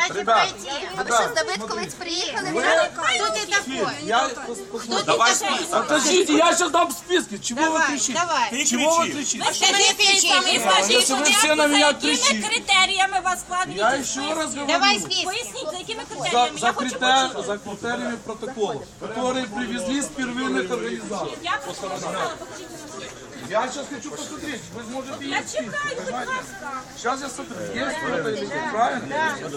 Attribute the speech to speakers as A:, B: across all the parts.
A: Дайте пройти.
B: А ви що, з Давидковець приїхали?
A: Кто ты такой?
C: Давай список.
D: Подождите, я сейчас дам списки. Чего вы
A: Давай,
D: кричите?
A: давай.
D: Чего вы кричите?
A: Скажи, кричи.
D: Если вы все на меня кричите.
E: Критеріями вас
D: Я
E: складені?
D: еще раз говорю.
A: Давай список.
E: Поясніть, за якими критеріями? Я хочу почути.
D: За критериями протокола, которые привезли с первинных организаций.
E: Я просто не знала, покажіть мені.
D: Я сейчас хочу посмотреть, вы сможете
E: Я
D: есть
E: чекаю, будь ласка.
D: Сейчас я смотрю, есть кто-то или нет, правильно?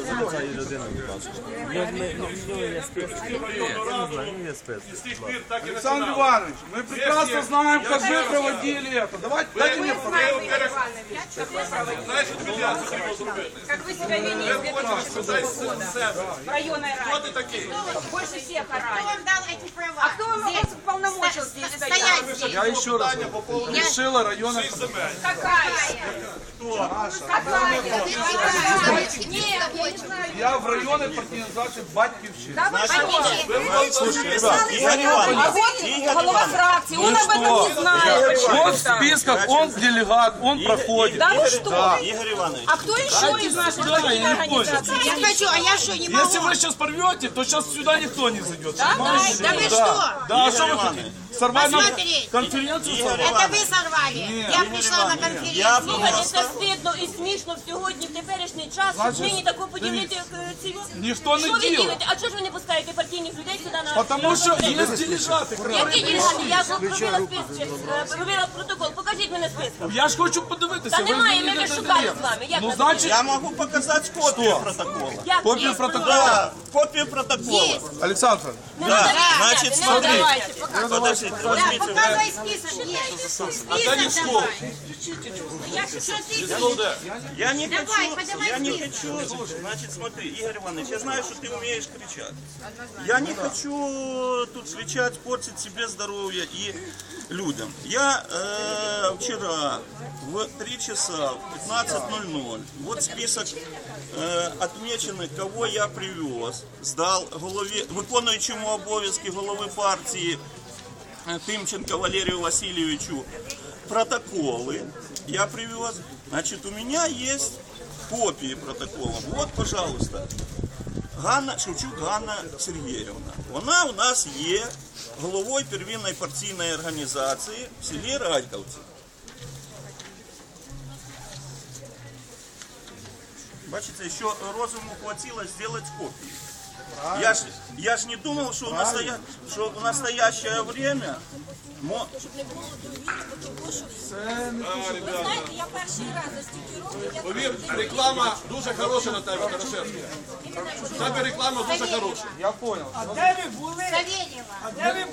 D: Александр Иванович, мы прекрасно знаем, как вы проводили это. Давайте, дайте мне
E: Как вы себя вели с 2006 года в районной раде? Больше всех
A: Кто
E: орали.
A: вам дал эти права?
E: А кто вам
A: Здесь.
E: полномочил здесь
A: Стоять
E: стоять?
A: здесь.
D: Я еще раз говорю, решила района.
E: Какая? Какая? Нет, я не знаю.
D: Я в районной организации Батьківщина.
C: Игорь Иванович,
E: Голова фракции, он об этом не знает.
D: Он в списках, он делегат, он проходит.
E: Да ну что?
C: Игорь Иванович,
E: А кто еще из наших партийной организаций?
A: Я хочу, а я что, не могу?
D: Если вы сейчас порвете, то сейчас сюда никто не зайдет.
E: Да
A: вы что?
D: Да, а что вы хотите? Сорвать нам
A: Посмотри.
D: конференцию?
C: Игорь
D: сорвать?
A: Это вы сорвали. Я пришла на
C: я
A: конференцию.
E: Це стидно і смішно сьогодні, в теперішній час, щоб нині таку поділити цю...
D: Ніхто не
E: Що ви
D: ділить.
E: ділите? А чого ж ви не пускаєте партійних людей сюди на...
D: Потому что есть делегаты.
E: Які делегати? Я ж робила списки, робила протокол. Покажіть мене список.
D: Я ж хочу подивитися.
E: Та
D: ви
E: немає,
D: мені
E: ми
D: не
E: вже шукали
D: даєте.
E: з вами. Як
D: Ну,
E: ви
D: значить,
C: я могу показать копию протокола.
E: Як
D: копію
E: є?
D: протоколу.
C: Да, копию протокола.
D: Александр,
E: Не надо
C: значить,
E: відняти, не
C: смотри.
E: давайте, показуйте.
C: Подождите,
A: Да,
C: возьмите.
A: показывай список. Есть. Список давай.
C: Я не
A: Давай,
C: хочу,
A: подавай
C: я не
A: список.
C: хочу. Значит, смотри, Игорь Иванович, я знаю, что ты умеешь кричать. Я не хочу тут кричать, портить себе здоровье и людям. Я вчера в 3 часа, в 15:00, вот список отмеченных, кого я привез, сдал голові, виконуючому обов'язки голови партії Тимченко Валерию Васильевичу протоколы я привез. Значит, у меня есть копии протоколов. Вот, пожалуйста, Шевчук Ганна Сергіївна. Вона у нас є головою первинної партійної організації в селі Радьковці. Бачите, що розуму хватило зробити копії. Я ж не думал, что в настоящее время...
E: Ви знаєте, я перший раз за стільки років, я
F: Повір, реклама дуже хороша на тебе, Порошенко. В тебе реклама дуже хороша.
D: я понял.
A: Савельева.
G: А де ви